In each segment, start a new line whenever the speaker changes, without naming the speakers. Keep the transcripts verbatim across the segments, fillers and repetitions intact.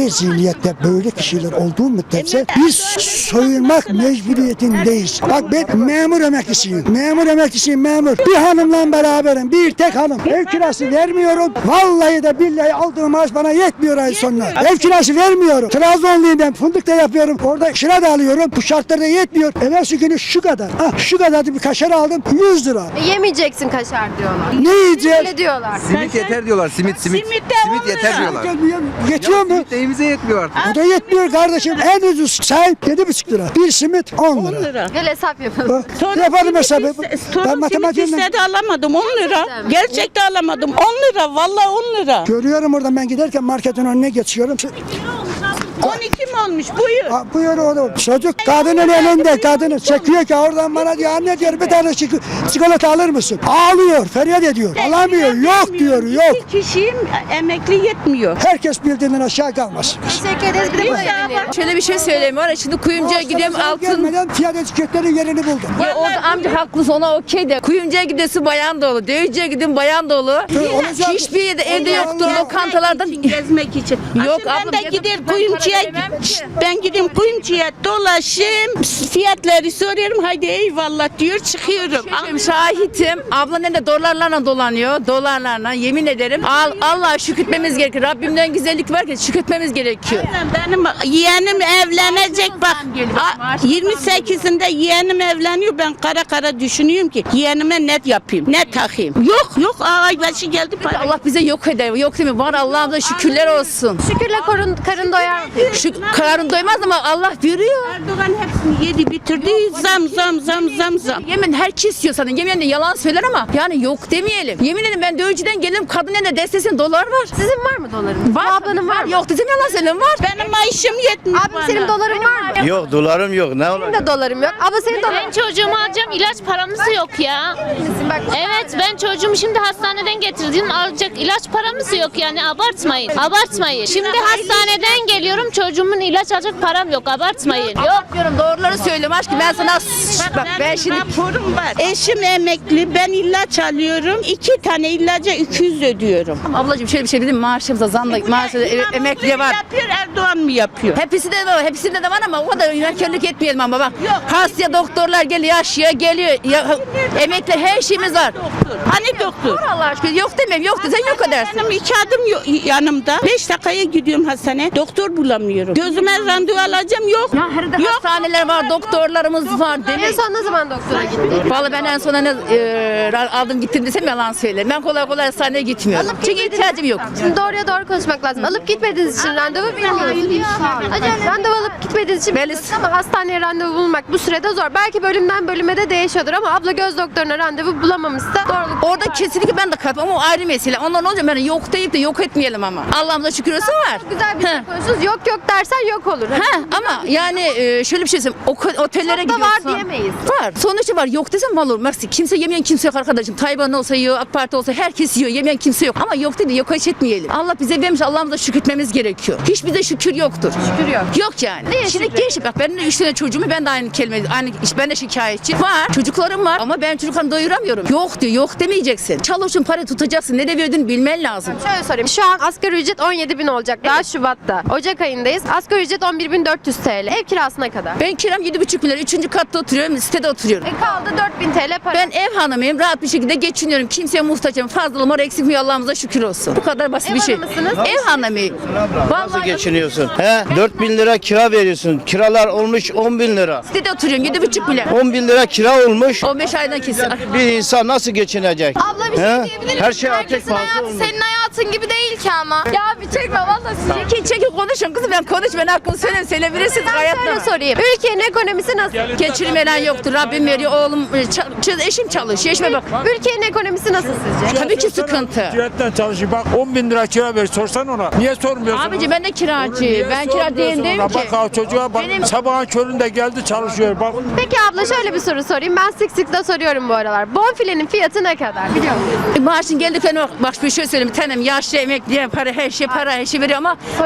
böyle zihniyette böyle kişiler olduğu müddetçe biz soyunmak mecburiyetindeyiz. Bak ben memur emeklisiyim. Memur emeklisiyim memur. Bir hanımla beraberim. Bir tek hanım. Ev kirası vermiyorum. Vallahi de billahi aldığım maaş bana yetmiyor ay sonuna. Ev kirası vermiyorum. Trabzonluyum ben. Fındık da yapıyorum. Orada kira da alıyorum. Bu şartlarda yetmiyor. Evvelsi günü şu kadar. Ah şu kadar bir kaşar aldım. yüz lira.
E, yemeyeceksin kaşar diyorlar.
Ne yiyeceğiz?
Öyle diyorlar.
Simit yeter diyorlar. Simit simit.
Simit de
Simit
on
yeter
lira.
diyorlar.
Yetiyor mu?
Simit de evimize yetmiyor artık.
O da yetmiyor kardeşim. En ucuz çay yedi buçuk lira. Bir simit on
on
lira.
lira.
Gel hesap yapalım.
Bak, Yapalım hesabı.
iste-
Ben
Torun simit
matematiğinden
istedi alamadım on lira. Gerçekten alamadım on lira. Vallahi on lira.
görüyorum oradan ben giderken marketin önüne geçiyorum.
on iki mi olmuş buyur.
Ha, buyur oğlum. Çocuk kadının elinde kadını çekiyor ki oradan bana diyor anne diyor bir tane çik- çikolata alır mısın? Ağlıyor, feryat ediyor. Alamıyor. Yok diyor, yok.
İki kişiyim emekli yetmiyor.
Herkes bildiğinden aşağı kalmaz.
Teşekkür ederiz. Bir de bunu dinleyelim.
Şöyle bir şey söyleyeyim var ya şimdi kuyumcuya gidiyorum
Zam
altın.
gelmeden fiyat etiketlerin yerini buldu.
Ya orada amca haklısın ona okey de. Kuyumcuya gidiyorsun bayan dolu. Dövücüye gidiyorsun bayan dolu.
olacak.
Hiçbir yerde evde
Allah
yoktur
Allah.
lokantalardan.
Gezmek için.
Yok
Şimdi
abla,
ben de
gezmek
gider
için ben
kuyumcuya
para veremem ki.
Şşt, ben gideyim kuyumcuya dolaşayım. Fiyatları soruyorum. Haydi eyvallah diyor çıkıyorum.
Benim şahitim. Abla ne de dolarlarla dolanıyor. Dolarlarla yemin ederim. Al, Allah'a şükretmemiz gerekiyor. Rabbimden güzellik var ki şükretmemiz gerekiyor.
Benim yeğenim evlenecek bak. A- yirmi sekizinde yeğenim evleniyor. Ben kara kara düşünüyorum ki yeğenime ne yapayım? Ne takayım? Yok yok aybaşı geldi para.
Allah bize yok eder. Yok değil mi? Var Allah'ımıza şükürler olsun.
Şükürle korun, karın doyar mı?
Şu kararın doymaz ama Allah veriyor.
Erdoğan hepsini yedi bitirdi. Zam zam zam zam zam.
Yemin herkes istiyor sana. Yemin de yalan söyler ama yani yok demeyelim. Yemin ederim ben dövücüden gelirim kadın eline destesin dolar var.
Sizin var mı dolarınız?
Var.
Bu ablanın var mı?
Yok dedim yalan söylüyorum var.
Benim maaşım yetmiyor
Abim
bana.
senin doların var mı?
Yok dolarım yok. Ne
Benim de dolarım yok. Abla senin doların.
Ben çocuğumu alacağım, ilaç paramız yok ya.
Bak,
Evet, ben çocuğumu şimdi hastaneden getirdim, alacak ilaç paramız yok yani, abartmayın. Abartmayın. Şimdi hastaneden geliyorum, çocuğumun ilaç alacak param yok, abartmayın.
Yok diyorum doğruları söylüyorum aşkım ben sana bak ben
Benim
şimdi
raporum var. Eşim emekli. Ben ilaç alıyorum. İki tane ilaca iki yüz ödüyorum.
ablacığım şöyle bir şey dedim maaşımıza zam da maaşa da, e, emekliye var.
Yapıyor Erdoğan mı yapıyor?
Hepsi de var, hepsinde de var ama o kadar yönetkenlik etmeyelim ama bak. Hasta doktorlar geliyor, yaşlıya geliyor. Ya, emekli her şeyimiz var.
Hani doktor?
Var Allah aşkına yok demem, yok desen yok edersin.
Benim iki adım yo- yanımda. Beş dakikaya gidiyorum hastaneye. Doktor bulamıyorum. Gözüme randevu alacağım yok.
Ya her de
Yok.
hastaneler var, doktorlarımız var
En
demek.
son ne zaman doktora gittin?
Vallahi ben en son ne e, aldım gittim desem yalan söylerim. Ben kolay kolay hastaneye gitmiyorum.
Alıp
Çünkü
gitmediniz.
ihtiyacım yok.
Şimdi doğruya doğru konuşmak lazım. Alıp gitmediğiniz için randevu bilmiyorsunuz. Randevu alıp gitmediğiniz için
Belli-
biliyorsunuz ama hastaneye randevu bulmak bu sürede zor. Belki bölümden bölüme de değişiyordur ama abla göz doktoruna randevu bulamamışsa doğruluk.
Orada kesinlikle ben de katılmam ama o ayrı mesele. Ondan olunca ben yok deyip de yok etmeyelim ama. Allah'ımıza şükür olsun var.
Güzel bir şey
Heh.
konuşuyoruz. Yok yok dersen yok olur.
Ha ama yani e, şöyle bir şey söyleyeyim. O, otellere
Çok da var
gidiyorsun.
diyemeyiz.
Var. Sonuçta var. Yok desem var olur. Mersi. Kimse yemeyen kimse yok arkadaşım. Tayvan olsa yiyor, AK Parti olsa herkes yiyor. Yemeyen kimse yok. Ama yok dedi. Yok hiç etmeyelim. Allah bize vermiş. Allah'ımıza şükretmemiz gerekiyor. Hiç bize şükür yoktur.
Şükür yok.
Yok yani.
Neye
Şimdi
şükür?
genç bak benim de üç tane çocuğumu ben de aynı kelime aynı iş ben de şikayetçi. Var. Çocuklarım var ama ben çocuklarımı doyuramıyorum. Yok diyor. Yok demeyeceksin. Çalışın para tutacaksın. Ne de verdiğini bilmen lazım.
Şöyle sorayım. Şu an asgari ücret on yedi bin olacak. Daha Şubat'ta. Ocak ayındayız. Asgari ücret on bir bin dört yüz T L. Ev kirasına kadar.
Ben kiram yedi buçuk milyar. Üçüncü katta oturuyorum. Sitede oturuyorum.
E kaldı dört bin T L para.
Ben ev hanımıyım. Rahat bir şekilde geçiniyorum. Kimseye muhtacım. Fazlalığım var eksik mi Allah'ımıza şükür olsun. Bu kadar basit
Ev
bir şey.
hanımısınız?
Ev hanımıyım.
Nasıl geçiniyorsun? He? dört bin lira kira veriyorsun. Kiralar olmuş on bin lira.
Sitede oturuyorum. Yedi buçuk milyar.
on bin lira kira olmuş.
on beş aydan kesin.
Bir insan nasıl geçinecek?
Abla bir şey
He?
diyebilir miyim?
Her şey ateş
Herkesin
pahası
hayatı
olmuş.
senin hayatın gibi değil ki ama. Ya bir çekme vallahi sizi.
Çekil çekil konuşun kızım ben konuş ben hakkını söyleyeyim söyleyebilirsiniz
Ben
hayatta.
şöyle sorayım. Ülkenin ekonomisi nasıl?
Geçirmeden yoktur. Rabbim veriyor. Oğlum e, ça- eşim çalışıyor. Eşime bak.
Ülkenin ekonomisi nasıl sizce?
Tabii ki sıkıntı.
Ticaretten çalışıyor. Bak on bin lira kira ver. Sorsan ona. Niye sormuyorsun?
Abici ben de kiracı.
Niye
Ben kira
sormuyorsun
değilim
ona?
ki.
Bak ha, çocuğa bak.
Benim-
Sabahın köründe geldi çalışıyor. Bak.
Peki abla şöyle bir soru sorayım. Ben sık sık da soruyorum bu aralar. Bonfilenin fiyatı ne kadar? Biliyor musun?
Maaşın geldiklerine bak, bak bir şey söyleyeyim. Bir tanem yaşlı emekliye para her şey para her şey veriyor ama
Sorun
emekli de
var.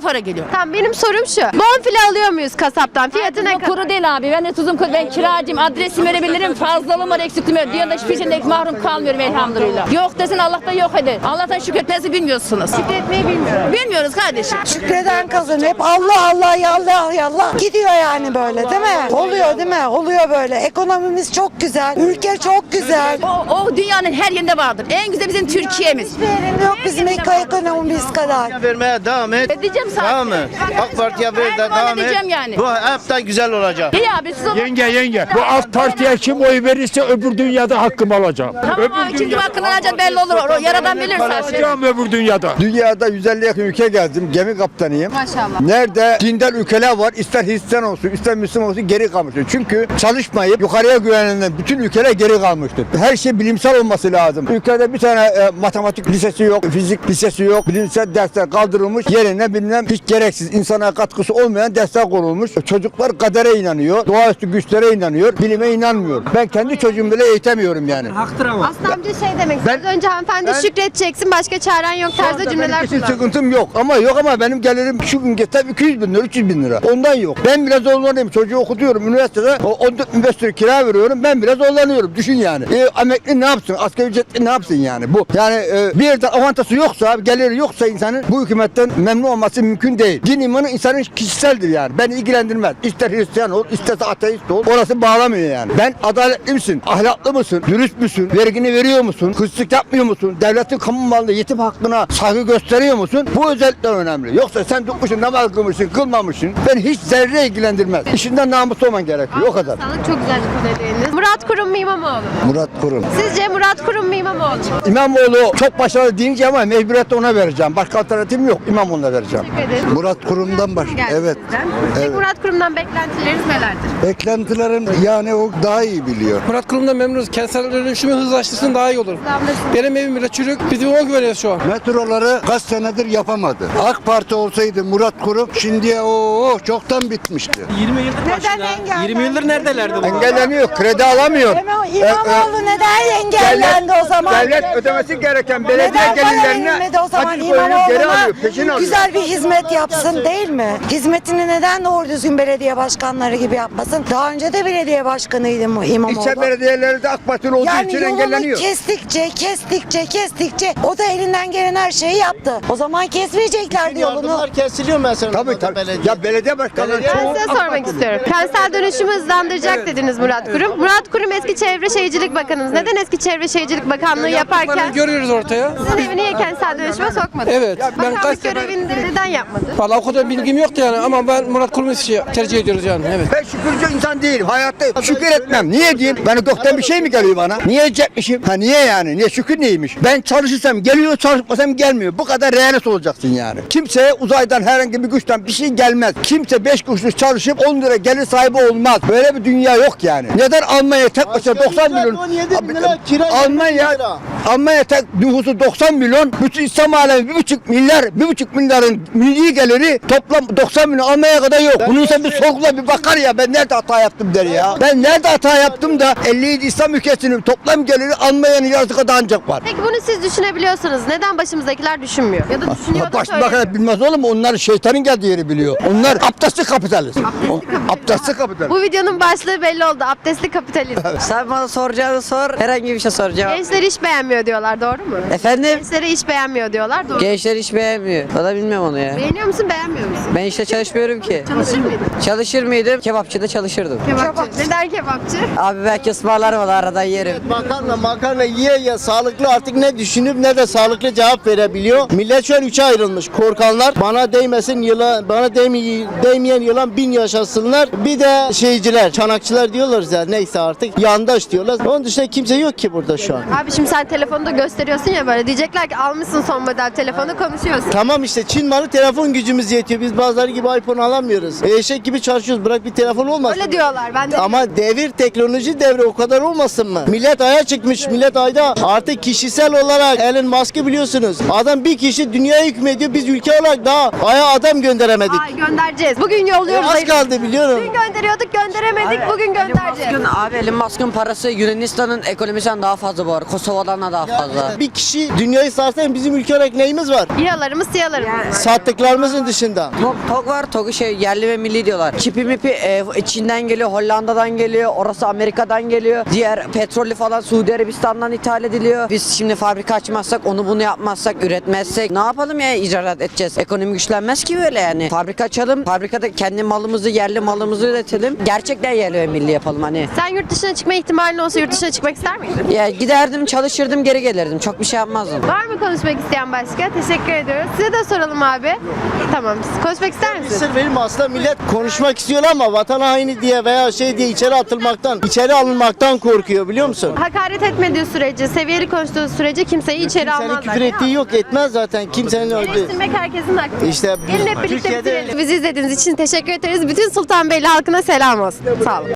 para geliyor.
Tamam, benim sorum şu. Bonfile alıyor muyuz kasaptan? Fiyatı ne
Tuzum
kadar?
kuru değil abi. Ben de tuzum kuru. Ben kiracıyım. Adresimi verebilirim. Fazlalığım var, eksikliğim var. Dünyada hiçbir şeyden mahrum kalmıyorum elhamdülillah. Yok desin Allah'tan yok eder. Allah'tan şükretmesi bilmiyorsunuz.
Şükretmeyi bilmiyorum.
Bilmiyoruz kardeşim.
Şükreden kazan hep Allah Allah ya Allah ya Allah gidiyor yani böyle değil mi? Oluyor değil mi? Oluyor böyle. Ekonomimiz çok güzel. Ülke çok güzel.
O, o dünyanın her yerinde vardır. En güzel bizim Türkiye'miz.
Hiçbir yerinde yok bizim ekonomimiz kadar.
Vermeye devam et.
Edeceğim zaten.
Tamam mı? AK Parti'ye ver de
Her zaman
devam et.
edeceğim yani.
Bu hepten güzel olacak.
İyi abi siz o...
Yenge yenge. Bu AK Parti'ye kim oy verirse öbür dünyada hakkımı alacağım.
Tamam abi çünkü hakkını alacak belli olur. O yaradan bilir zaten.
Alacağım öbür dünyada.
Dünyada yüz elli yakın ülke gezdim. Gemi kaptanıyım.
Maşallah.
Nerede dindar ülkeler var, ister Hristiyan olsun, ister Müslüman olsun geri kalmıştır. Çünkü çalışmayıp yukarıya güvenilen bütün ülkeler geri kalmıştır. Her şey bilimsel olması lazım. Ülkede bir tane e, matematik lisesi yok, fizik lisesi yok. Bilimsel dersler kaldırılmış. Yerine bilmem hiç gereksiz insana katkısı olmayan dersler konulmuş. Çocuklar kadere inanıyor, doğaüstü güçlere inanıyor, bilime inanmıyor. Ben kendi çocuğumu bile eğitemiyorum yani.
Haktır ama.
Aslı amca şey demek istiyor.
Ben-
Az önce hanımefendi
ben-
şükredeceksin, başka çaren yok tarzda cümleler
Benim kesin
kullandı.
sıkıntım yok ama yok ama benim gelirim şu gün geçsem iki yüz bin lira, üç yüz bin lira. Ondan yok. Ben biraz zorlanıyorum. Çocuğu okutuyorum üniversitede. O on dört bin beş yüz lira kira veriyorum. Ben biraz zorlanıyorum. Düşün yani. E, emekli ne yapsın? Asgari ücretli ne yapsın yani? Bu yani e, bir yerde avantajı yoksa, geliri yoksa insanın bu hükümetten memnun olması mümkün değil. Din imanı insanın kişiseldir yani. Beni ilgilendirmez. İster Hristiyan ol, isterse ateist ol. Orası bağlamıyor yani. Ben adaletli misin? Ahlaklı mısın? Dürüst müsün? Vergini veriyor musun? Hırsızlık yapmıyor musun? Devletin kamu malında yetim hakkına saygı gösteriyor musun? Bu özellikler önemli. Yoksa sen tutmuşsun, namaz kılmışsın, kılmamışsın. Ben hiç zerre ilgilendirmez. İşinden namuslu olman gerekiyor. O kadar.
Sağlık çok güzel dediniz. Murat Kurum mu İmamoğlu mu?
Murat Kurum.
Sizce Murat Kurum mu İmamoğlu mu?
İmamoğlu çok başarılı deyince ama mecburiyetle ona vereceğim. Başka alternatifim yok. İmamoğlu'na vereceğim.
Teşekkür ederim.
Murat Kurum'dan baş.
Geldi
Evet.
sizden. Peki
Evet.
Murat Kurum'dan beklentileriniz nelerdir?
Beklentilerim yani o daha iyi biliyor.
Murat Kurum'dan memnunuz. Kentsel dönüşümü hızlaştırsın daha iyi olur. Benim evim bile çürük. Biz ona güveniyoruz şu an.
Metroları kaç senedir yapamadı. AK Parti olsaydı Murat Kurum şimdiye o çoktan bitmişti.
yirmi yıldır
Neden
başında.
engellendi?
yirmi yıldır neredelerdi bu?
Engelleniyor, kredi alamıyor.
Ama İmamoğlu neden engellendi o zaman?
Devlet ödemesi gereken belediye
Neden para
gelirlerine
verilmedi o zaman
açık koyuyor, geri
İmamoğlu'na?
alıyor, peşin alıyor.
Güzel bir hizmet yapsın değil mi? Hizmetini neden doğru düzgün belediye başkanları gibi yapmasın? Daha önce de belediye başkanıydı bu İmamoğlu.
İlçe belediyeleri de AK Partili olduğu
Yani
için
yolunu
engelleniyor.
kestikçe, kestikçe, kestikçe o da elinden gelen her şeyi yaptı. O zaman kesmeyeceklerdi yolunu.
Yardımlar kesiliyor mesela.
Tabii tabii. Ya belediye başkanları
Belediye-
çoğu
Ben size
AK
sormak
Partili.
istiyorum. Kentsel dönüşümü hızlandıracak dediniz Murat Kurum. Murat Kurum eski Çevre Şehircilik Bakanımız. Neden eski Çevre Şehircilik Bakanlığı yaparken
Yaptıklarını görüyoruz ortaya.
sizin evi niye kentsel dönüşüme sokmadı?
Evet. Ben
Bakanlık
kaç sefer...
görevini de neden yapmadı?
Valla o kadar bilgim yoktu yani ama ben Murat Kurum'u şey- tercih ediyoruz yani. Evet.
Ben şükürcü insan değilim. Hayatta şükür etmem. Niye diyeyim? Ben doktan bir şey mi geliyor bana? Niye edecekmişim? Ha niye yani? Niye şükür neymiş? Ben çalışırsam geliyor, çalışmasam gelmiyor. Bu kadar realist olacaksın yani. Kimseye uzaydan herhangi bir güçten bir şey gelmez. Kimse beş kuruşluk çalışıp on lira gelir sahibi olmaz. Böyle bir dünya yok yani. Neden Almanya tek başına doksan milyon? Almanya Almanya tek nüfusu doksan milyon. Bütün İslam alemi bir buçuk milyar, bir buçuk milyarın milli geliri toplam doksan milyon Almanya kadar yok. Bunun sen bir sorgula bir bakar ya ben nerede hata yaptım der ya. Ben nerede hata yaptım da elli yedi İslam ülkesinin toplam geliri Almanya'nın yarısı kadar ancak var.
Peki bunu siz düşünebiliyorsunuz. Neden başımızdakiler düşünmüyor? Ya da düşünüyor da
Baş
söylemiyor.
bakar bilmez oğlum onlar şeytanın geldiği yeri biliyor. Onlar abdestli kapitalist. Abdestli kapitalist.
Bu videonun başlığı belli oldu. Abdestli kapitalizm.
Sen bana soracağını sor, herhangi bir şey soracağım.
Gençler iş beğenmiyor diyorlar, doğru mu?
Efendim?
Gençlere iş beğenmiyor diyorlar, doğru mu?
Gençler hiç beğenmiyor. O da bilmiyorum onu ya.
Beğeniyor musun, beğenmiyor musun?
Ben işte çalışmıyorum ki.
Çalışır mıydın?
Çalışır mıydım? Kebapçıda çalışırdım.
Kebapçı. Neden kebapçı?
Abi belki ısmarlarım o da aradan yerim.
Makarna makarna yiye ye sağlıklı artık ne düşünüp ne de sağlıklı cevap verebiliyor. Millet şu an üçe ayrılmış. Korkanlar bana değmesin yılan, bana değmeyi, değmeyen yılan bin yaşasınlar. Bir de şeyciler, çanakçılar diyorlar ya neyse artık yandaş diyorlar. Onun dışında kimse yok ki burada şu an.
Abi şimdi sen telefonu da gösteriyorsun ya böyle. Diyecekler ki almışsın son model telefonu, konuşuyorsun.
Tamam işte Çin malı telefon gücümüz yetiyor. Biz bazıları gibi iPhone alamıyoruz. Eşek gibi çalışıyoruz. Bırak bir telefon olmasın.
Öyle diyorlar. Ben de
Ama devir teknoloji devri o kadar olmasın mı? Millet aya çıkmış. Millet ayda artık kişisel olarak Elon Musk'ı biliyorsunuz. Adam bir kişi dünyaya hükmediyor. Biz ülke olarak daha aya adam gönderemedik.
Ay göndereceğiz. Bugün
E,
yolluyoruz.
az kaldı biliyorum.
Dün gönderiyorduk, gönderemedik. Bugün göndereceğiz.
Abi Elon Musk'ın parası Yunanistan'ın ekonomisinden daha fazla bu arada. Kosova'dan da
daha fazla.
Bir kişi dünyayı sarsa bizim ülke olarak neyimiz var?
İHA'larımız, SİHA'larımız var.
Sattıklarımızın dışında.
Tok, tok var, Tok şey yerli ve milli diyorlar. Çipi mipi e, Çin'den geliyor, Hollanda'dan geliyor, orası Amerika'dan geliyor. Diğer petrolü falan Suudi Arabistan'dan ithal ediliyor. Biz şimdi fabrika açmazsak, onu bunu yapmazsak, üretmezsek ne yapalım ya, icat edeceğiz. Ekonomi güçlenmez ki böyle yani. Fabrika açalım, fabrikada kendi malımızı, yerli malımızı üretelim. Gerçekten yerli ve milli yapalım hani.
Sen yurt dışına çıkma ihtimalin olsa yurt dışına çıkmak ister miydin?
Ya giderdim, çalışırdım, geri gelirdim. Çok bir şey yapmazdım.
Var mı konuşmak isteyen başka? Teşekkür ediyoruz. Size de soralım abi. Tamam. Konuşmak ister misiniz?
Sır verilme, aslında millet konuşmak istiyor ama vatan haini diye veya şey diye içeri atılmaktan, içeri alınmaktan korkuyor, biliyor musun?
Hakaret etmediği sürece, seviyeli konuştuğu sürece kimseyi içeri
Kimsenin
almazlar.
küfür ettiği yok, etmez zaten. Kimsenin öldüğü.
Eleştirmek herkesin hakkı.
İşte
Gelin hep birlikte
Türkiye'de-
bitirelim. Bizi izlediğiniz için teşekkür ederiz. Bütün Sultanbeyli halkına selam olsun. Sağ olun.